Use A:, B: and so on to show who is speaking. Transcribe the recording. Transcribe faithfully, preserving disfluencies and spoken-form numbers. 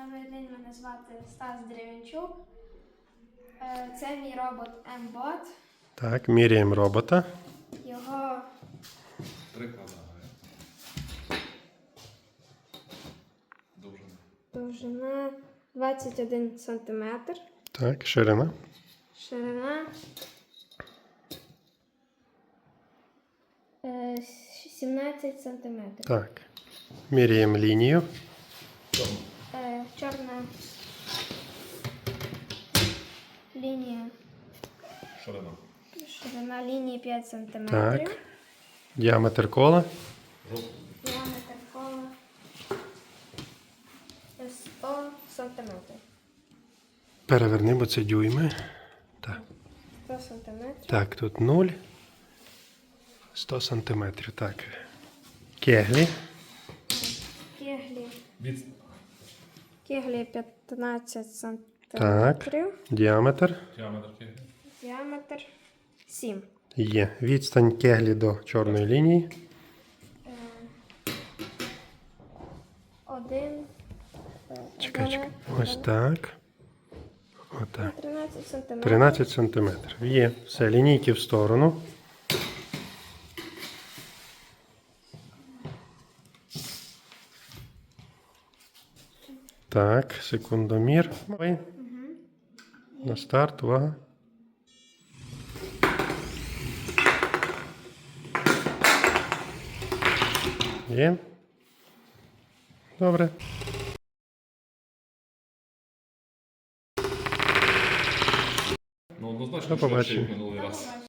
A: Добрий день, мене звати Стас Дерев'янчук. Е, Це мій робот М-бот.
B: Так, міряємо робота.
A: Його
C: Прикладає. Довжина.
A: довжина двадцять один сантиметр,
B: Так, ширина.
A: ширина е, сімнадцять сантиметрів.
B: Так. Міряємо лінію.
A: Е, Чорна лінія,
C: Ширина.
A: ширина лінії п'ять сантиметрів.
B: Так. Діаметр кола.
C: Жовтий.
A: Діаметр кола сто сантиметрів.
B: Переверни, бо це дюйми. Так.
A: сто сантиметрів.
B: Так, тут нуль. сто сантиметрів. Так. Кеглі.
A: Кеглі.
C: Від...
A: Кеглі п'ятнадцять
B: Так.
A: сантиметрів.
B: Діаметр.
C: Діаметр кеглі.
A: Діаметр сім.
B: Є. Відстань кеглі до чорної лінії.
A: Один.
B: Чекай, чекай. Ось так. Отак.
A: тринадцять сантиметрів.
B: тринадцять сантиметрів. Є. Все, лінійки в сторону. Так, секундомір. Угу. На старт, увага. Є. Добре.
C: Ну, однозначно,
B: До
C: що
B: побачення.
C: минулий раз.